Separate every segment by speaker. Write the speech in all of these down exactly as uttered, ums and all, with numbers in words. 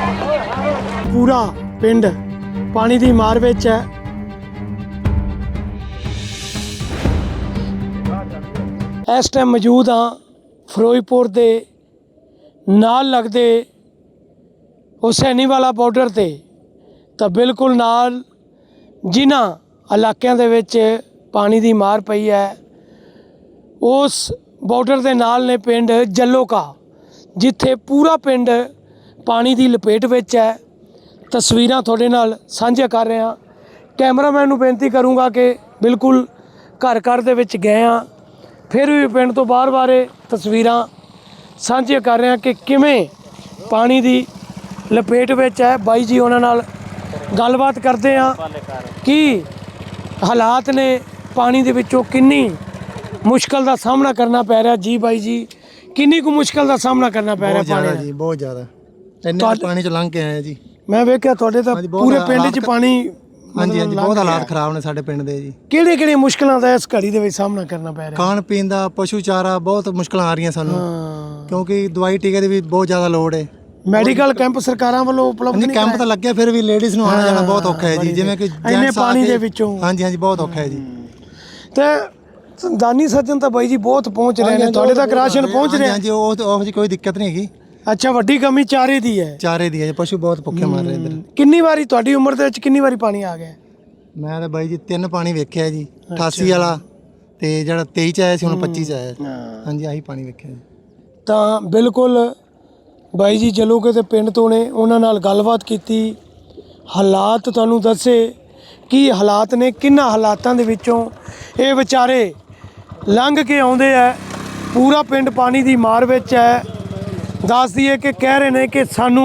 Speaker 1: पूरा पिंड पानी की मार विच है। इस टाइम मौजूद हाँ फिरोजपुर के नाल लगते हुसैनीवाला बॉर्डर ते, तो बिल्कुल नाल जिन्हां इलाकों दे विच पानी की मार पई है, उस बॉर्डर के नाल ने पिंड जलोका, जिथे पूरा पिंड पानी की लपेट विच है। तस्वीरां तुहाडे नाल साझा कर रहे हैं। कैमरामैन नूं बेनती करूँगा कि बिल्कुल घर घर दे विच गए हाँ, फिर भी पिंड तो बाहर बारे तस्वीरां साझिया कर रहे हैं कि किवें पानी की लपेट विच है। बाई जी उन्हां नाल गलबात करते हैं कि हालात ने पानी दे विचों किन्नी मुश्किल का सामना करना पै रहा। जी बाई जी, किन्नी को मुश्किल का सामना करना पै रहा पानी
Speaker 2: जी? बहुत ज़्यादा इन्ने पानी च लंघ के आए जी।
Speaker 1: मैं वेख्या तुहाडे तां पूरे पिंड च पानी।
Speaker 2: हाँ जी हाँ जी, बहुत हालात खराब ने साडे पिंड दे जी।
Speaker 1: किहड़े किहड़े मुश्किलों का इस घड़ी दे विच सामना करना पै रहा?
Speaker 2: खाण पीण दा, पशु चारा, बहुत मुश्किल आ रही सानू,
Speaker 1: हाँ।
Speaker 2: क्योंकि दवाई टीके की भी बहुत ज़्यादा लोड़ है।
Speaker 1: मैडिकल कैंप सरकारां ਵੱਲੋਂ उपलब्ध नहीं
Speaker 2: कैंप तो लगे, फिर भी लेडीज़ ਨੂੰ आना जाना बहुत औखा है जी। जिवें कि
Speaker 1: इन्ने पानी दे विचों।
Speaker 2: हाँ जी हाँ जी, बहुत औखा है जी।
Speaker 1: ते दानी सज्जन तो बाई जी बहुत पहुँच रहे हैं, तुहाडे तक राशन पहुँच रहे हैं?
Speaker 2: हाँ जी, वो कोई दिक्कत नहीं हैगी।
Speaker 1: अच्छा, वड्डी कमी चारे दी है?
Speaker 2: चारे दी है, पशु बहुत भुखे मर रहे इधर।
Speaker 1: किन्नी वारी तुहाडी उम्र दे विच किन्नी वारी पानी आ गया?
Speaker 2: मैं तो बाई जी तीन पानी वेख्या जी, अठासी वाला ते जिहड़ा तेईस च आया सी, हुण पच्ची च आया। हाँ जी, आही पानी वेख्या जी।
Speaker 1: ਤਾਂ ਬਿਲਕੁਲ ਬਾਈ ਜੀ ਜਲੋਕੇ ਦੇ ਪਿੰਡ ਤੋਂ ਨੇ, ਉਹਨਾਂ ਨਾਲ ਗੱਲਬਾਤ ਕੀਤੀ, ਹਾਲਾਤ ਤੁਹਾਨੂੰ ਦੱਸੇ ਕੀ ਹਾਲਾਤ ਨੇ, ਕਿੰਨਾ ਹਾਲਾਤਾਂ ਦੇ ਵਿੱਚੋਂ ਇਹ ਵਿਚਾਰੇ ਲੰਘ ਕੇ ਆਉਂਦੇ ਆ। ਪੂਰਾ ਪਿੰਡ ਪਾਣੀ ਦੀ ਮਾਰ ਵਿੱਚ ਹੈ। ਦੱਸ ਦਈਏ ਕਿ ਕਹਿ ਰਹੇ ਨੇ ਕਿ ਸਾਨੂੰ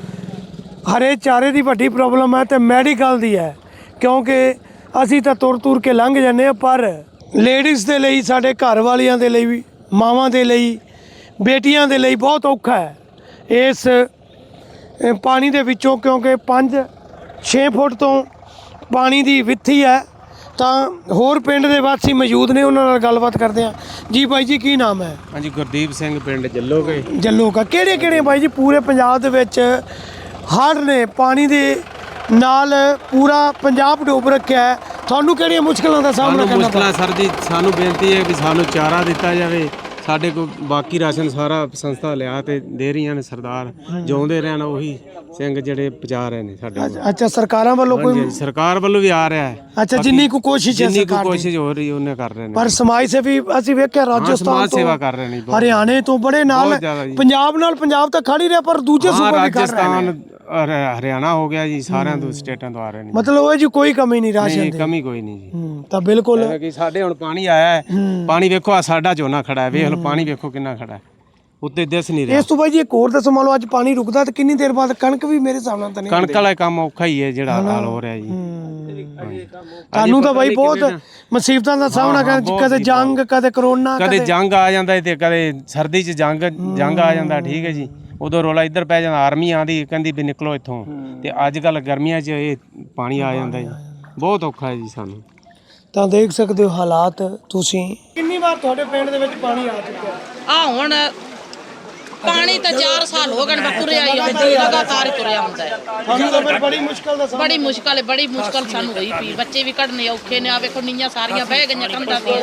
Speaker 1: ਹਰੇ ਚਾਰੇ ਦੀ ਵੱਡੀ ਪ੍ਰੋਬਲਮ ਹੈ ਤੇ ਮੈਡੀਕਲ ਦੀ ਹੈ, ਕਿਉਂਕਿ ਅਸੀਂ ਤਾਂ ਤੁਰ ਤੁਰ ਕੇ ਲੰਘ ਜਾਂਦੇ ਆ, ਪਰ ਲੇਡੀਜ਼ ਦੇ ਲਈ, ਸਾਡੇ ਘਰ ਵਾਲੀਆਂ ਦੇ ਲਈ ਵੀ, ਮਾਵਾਂ ਦੇ ਲਈ, ਬੇਟੀਆਂ ਦੇ ਲਈ ਬਹੁਤ ਔਖਾ ਹੈ ਇਸ ਪਾਣੀ ਦੇ ਵਿੱਚੋਂ, ਕਿਉਂਕਿ ਪੰਜ ਛੇ ਫੁੱਟ ਤੋਂ ਪਾਣੀ ਦੀ ਵਿੱਥੀ ਹੈ। ਤਾਂ ਹੋਰ ਪਿੰਡ ਦੇ ਵਾਸੀ ਮੌਜੂਦ ਨੇ, ਉਹਨਾਂ ਨਾਲ ਗੱਲਬਾਤ ਕਰਦੇ ਹਾਂ। ਜੀ ਬਾਈ ਜੀ, ਕੀ ਨਾਮ ਹੈ?
Speaker 3: ਹਾਂਜੀ, ਗੁਰਦੀਪ ਸਿੰਘ, ਪਿੰਡ ਜੱਲੋਕੇ।
Speaker 1: ਜੱਲੋਕਾ ਕਿਹੜੇ ਕਿਹੜੇ ਬਾਈ ਜੀ ਪੂਰੇ ਪੰਜਾਬ ਦੇ ਵਿੱਚ ਹੜ੍ਹ ਨੇ, ਪਾਣੀ ਦੇ ਨਾਲ ਪੂਰਾ ਪੰਜਾਬ ਡੁੱਬ ਰੱਖਿਆ ਹੈ, ਤੁਹਾਨੂੰ ਕਿਹੜੀਆਂ ਮੁਸ਼ਕਲਾਂ ਦਾ ਸਾਹਮਣਾ ਕਰਨਾ
Speaker 3: ਮੁਸ਼ਕਲਾਂ ਸਰ ਜੀ, ਸਾਨੂੰ ਬੇਨਤੀ ਹੈ ਵੀ ਸਾਨੂੰ ਚਾਰਾ ਦਿੱਤਾ ਜਾਵੇ। ਸਾਡੇ ਕੋਲ ਬਾਕੀ ਰਾਸ਼ਨ ਸਾਰਾ ਸੰਸਥਾ ਲਿਆ ਤੇ ਦੇ ਰਹੀਆਂ ਨੇ, ਸਰਦਾਰ ਜਿਉਂਦੇ ਰਹਿਣ ਉਹੀ ਸਿੰਘ ਜਿਹੜੇ ਪਹੁੰਚਾ ਰਹੇ ਨੇ ਸਾਡੇ ਕੋਲ।
Speaker 1: ਅੱਛਾ, ਸਰਕਾਰਾਂ ਵੱਲੋਂ ਕੋਈ?
Speaker 3: ਸਰਕਾਰ ਵੱਲੋਂ ਵੀ ਆ ਰਿਹਾ ਹੈ।
Speaker 1: ਅੱਛਾ, ਜਿੰਨੀ ਕੁ ਕੋਸ਼ਿਸ਼ ਹੈ
Speaker 3: ਜਿੰਨੀ ਕੁ
Speaker 1: ਸਰਕਾਰ ਦੀ
Speaker 3: ਕੋਸ਼ਿਸ਼ ਹੋ ਰਹੀ ਉਹਨੇ ਕਰ ਰਹੇ ਨੇ,
Speaker 1: ਪਰ ਸਮਾਜ ਸੇਵੀ ਅਸੀਂ ਵੇਖਿਆ ਰਾਜਸਥਾਨ
Speaker 3: ਸਮਾਜ
Speaker 1: ਤੋਂ,
Speaker 3: ਸੇਵਾ ਕਰ ਰਹੇ ਨੇ,
Speaker 1: ਹਰਿਆਣੇ ਤੋਂ ਬੜੇ ਨਾਲ, ਪੰਜਾਬ ਨਾਲ ਪੰਜਾਬ ਤਾਂ ਖੜ ਹੀ ਰਿਹਾ, ਪਰ ਦੂਜੇ ਸੂਬੇ ਵੀ ਕਰ ਰਹੇ ਨੇ।
Speaker 3: ਹਰਿਆਣਾ ਹੋ ਗਿਆ ਜੀ, ਸਾਰਿਆਂ ਤੋਂ ਸਟੇਟਾਂ ਤੋਂ ਆ ਰਹੇ ਨੇ।
Speaker 1: ਮਤਲਬ ਉਹ ਜੀ ਕੋਈ ਕਮੀ ਨਹੀਂ ਰਾਸ਼ਨ ਦੀ?
Speaker 3: ਕਮੀ ਕੋਈ ਨਹੀਂ ਜੀ।
Speaker 1: ਤਾਂ ਬਿਲਕੁਲ
Speaker 3: ਕਿ ਸਾਡੇ ਹੁਣ ਪਾਣੀ ਆਇਆ ਹੈ, ਪਾਣੀ ਵੇਖੋ ਆ ਸਾਡਾ ਝੋਨਾ ਖੜਾ ਹੈ, ਵੇਖ ਲਓ ਪਾਣੀ ਵੇਖੋ ਕਿੰਨਾ ਖੜਾ ਹੈ, ਉੱਤੇ ਦਿਸ ਨਹੀਂ ਰਿਹਾ।
Speaker 1: ਇਸ ਤੋਂ ਬਾਅਦ ਜੀ ਇੱਕ ਹੋਰ ਦੱਸੋ, ਮੰਨ ਲਓ ਅੱਜ ਪਾਣੀ ਰੁਕਦਾ ਤਾਂ ਕਿੰਨੀ ਦੇਰ ਬਾਅਦ ਕਣਕ ਵੀ ਮੇਰੇ ਹਿਸਾਬ ਨਾਲ ਤਾਂ ਨਹੀਂ?
Speaker 3: ਕਣਕ ਵਾਲਾ ਕੰਮ ਔਖਾ ਹੀ ਹੈ ਜਿਹੜਾ ਹਾਲ ਹੋ ਰਿਹਾ ਜੀ।
Speaker 1: ਤੁਹਾਨੂੰ ਤਾਂ ਬਾਈ ਬਹੁਤ ਮੁਸੀਬਤਾਂ ਦਾ ਸਾਹਮਣਾ ਕਰਨਾ, ਕਦੇ ਜੰਗ, ਕਦੇ ਕਰੋਨਾ,
Speaker 3: ਕਦੇ ਜੰਗ ਆ ਜਾਂਦਾ ਤੇ ਕਦੇ ਸਰਦੀ 'ਚ ਜੰਗ ਜੰਗ ਆ ਜਾਂਦਾ। ਠੀਕ ਹੈ ਜੀ, ਉਦੋਂ ਰੋਲਾ ਇੱਧਰ ਪੈ ਜਾਂਦਾ, ਆਰਮੀ ਆਂਦੀ ਕਹਿੰਦੀ ਵੀ ਨਿਕਲੋ ਇੱਥੋਂ, ਤੇ ਅੱਜ ਕੱਲ ਗਰਮੀਆਂ 'ਚ ਇਹ ਪਾਣੀ ਆ ਜਾਂਦਾ ਜੀ, ਬਹੁਤ ਔਖਾ ਹੈ ਜੀ ਸਾਨੂੰ।
Speaker 1: ਤਾਂ ਦੇਖ ਸਕਦੇ ਹੋ ਹਾਲਾਤ ਤੁਸੀਂ। ਕਿੰਨੀ ਵਾਰ ਤੁਹਾਡੇ ਪਿੰਡ ਦੇ ਵਿੱਚ ਪਾਣੀ ਆ ਚੁੱਕਿਆ?
Speaker 4: ਆ ਹੁਣ ਪਾਣੀ ਤਾਂ ਚਾਰ ਸਾਲ ਹੋ ਗਏ, ਤੁਰਿਆ ਹੀ ਲਗਾਤਾਰ ਤੁਰਿਆ ਹੁੰਦਾ ਹੈ।
Speaker 1: ਤੁਹਾਨੂੰ ਤਾਂ ਫਿਰ ਬੜੀ ਮੁਸ਼ਕਲ ਦਾ
Speaker 4: ਬੜੀ ਮੁਸ਼ਕਲ ਹੈ, ਬੜੀ ਮੁਸ਼ਕਲ ਸਾਨੂੰ ਹੋਈ ਪਈ। ਬੱਚੇ ਵੀ ਕੱਢਣੇ ਔਖੇ ਨੇ, ਆ ਵੇਖੋ ਨੀਆਂ ਸਾਰੀਆਂ ਬਹਿ ਗਈਆਂ ਕੰਧਾਂ ਤੇ।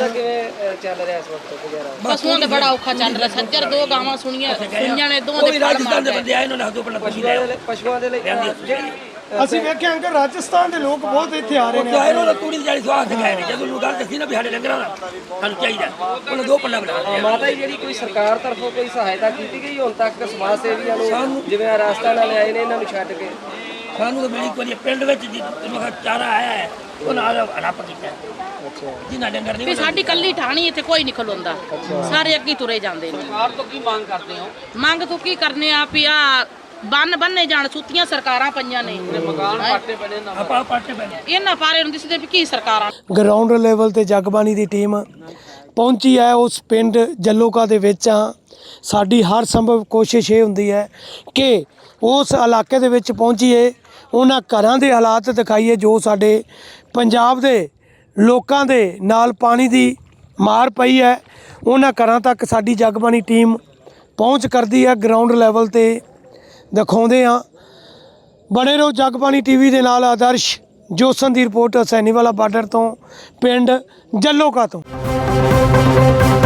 Speaker 4: ਪਸ਼ੂਆਂ ਦਾ ਬੜਾ ਔਖਾ ਚੱਲ ਰਿਹਾ। ਸੱਜਰ ਦੋ ਗਾਵਾਂ ਸੁਣੀਆਂ ਸੁਣੀਆਂ ਨੇ, ਦੋਵਾਂ ਦੇ ਫੜ ਮਾਰ ਗਏ।
Speaker 5: ਪਸ਼ੂਆਂ ਦੇ ਲਈ
Speaker 1: ਅਸੀਂ ਵੇਖਿਆ ਅੰਕਲ, ਰਾਜਸਥਾਨ ਦੇ ਲੋਕ ਬਹੁਤ ਇੱਥੇ ਆ ਰਹੇ ਨੇ।
Speaker 5: ਇਹਨਾਂ ਦਾ ਤੂੜੀ ਦੀ ਜਾਲੀ ਸਵਾਦ ਦਿਖਾਏ ਨੇ, ਜਦੋਂ ਗੱਲ ਦੱਸੀ ਨਾ ਵੀ ਸਾਡੇ ਡੰਗਰਾਂ ਦਾ ਸਾਨੂੰ ਚਾਹੀਦਾ, ਉਹਨਾਂ ਦੋ ਪੱਲਾ ਬਣਾ ਲਿਆ।
Speaker 6: ਮਾਤਾ ਜੀ, ਜਿਹੜੀ ਕੋਈ ਸਰਕਾਰ ਤਰਫੋਂ ਕੋਈ ਸਹਾਇਤਾ ਕੀਤੀ ਗਈ ਹੁਣ ਤੱਕ ਸਮਾਜ ਸੇਵੀਆਂ ਨੂੰ, ਜਿਵੇਂ ਰਾਸਤਾ ਨਾਲ ਆਏ ਨੇ ਇਹਨਾਂ ਨੂੰ ਛੱਡ ਕੇ?
Speaker 5: ਸਾਨੂੰ ਤਾਂ ਮਿਲੀ ਕੋਈ ਪਿੰਡ ਵਿੱਚ ਚਾਰਾ ਆਇਆ ਹੈ, ਉਹ ਨਾਲ ਰੱਪ ਕੀਤਾ।
Speaker 6: ਅੱਛਾ,
Speaker 5: ਜਿਨ੍ਹਾਂ ਡੰਗਰ
Speaker 4: ਵੀ ਸਾਡੀ ਕੱਲੀ ਠਾਣੀ ਇੱਥੇ ਕੋਈ ਨਹੀਂ ਖਲੋਂਦਾ, ਸਾਰੇ ਅੱਗੇ ਤੁਰੇ ਜਾਂਦੇ ਨੇ।
Speaker 6: ਸਰਕਾਰ ਤੋਂ ਕੀ ਮੰਗ ਕਰਦੇ ਹੋ?
Speaker 4: ਮੰਗ ਤੋਂ ਕੀ ਕਰਨੇ ਆ ਵੀ ਆ ਬੰਨ ਬੰਨੇ ਜਾਣ, ਸੁੱਤੀਆਂ ਸਰਕਾਰਾਂ ਪਈਆਂ ਨੇ,
Speaker 6: ਮਕਾਨ ਪਾਟੇ ਬਣੇ ਨਾ,
Speaker 5: ਆਪਾਂ ਪਾਟੇ ਪੈਣੇ
Speaker 4: ਇਹਨਾਂ ਪਾਰੇ ਨੂੰ ਦਿਸਦੇ ਵੀ ਕੀ ਸਰਕਾਰਾਂ।
Speaker 1: ਗਰਾਊਂਡ ਲੈਵਲ ਤੇ ਜਗਬਾਣੀ ਦੀ ਟੀਮ ਪਹੁੰਚੀ ਹੈ ਉਸ ਪਿੰਡ ਜੱਲੋਕਾ ਦੇ ਵਿੱਚ। ਆ ਸਾਡੀ ਹਰ ਸੰਭਵ ਕੋਸ਼ਿਸ਼ ਇਹ ਹੁੰਦੀ ਹੈ ਕਿ ਉਸ ਇਲਾਕੇ ਦੇ ਵਿੱਚ ਪਹੁੰਚੀਏ, ਉਹਨਾਂ ਘਰਾਂ ਦੇ ਹਾਲਾਤ ਦਿਖਾਈਏ ਜੋ ਸਾਡੇ ਪੰਜਾਬ ਦੇ ਲੋਕਾਂ ਦੇ ਨਾਲ ਪਾਣੀ ਦੀ ਮਾਰ ਪਈ ਹੈ। ਉਹਨਾਂ ਘਰਾਂ ਤੱਕ ਸਾਡੀ ਜਗਬਾਣੀ ਟੀਮ ਪਹੁੰਚ ਕਰਦੀ ਹੈ, ਗਰਾਊਂਡ ਲੈਵਲ ਤੇ ਦਿਖਾਉਂਦੇ ਹਾਂ। ਬਣੇ ਰਹੋ ਜਗਬਾਣੀ ਟੀਵੀ ਦੇ ਨਾਲ। ਆਦਰਸ਼ ਜੋਸਨ ਦੀ ਰਿਪੋਰਟ ਹਸੈਨੀਵਾਲਾ ਬਾਰਡਰ ਤੋਂ, ਪਿੰਡ ਜੱਲੋਕਾ ਤੋਂ।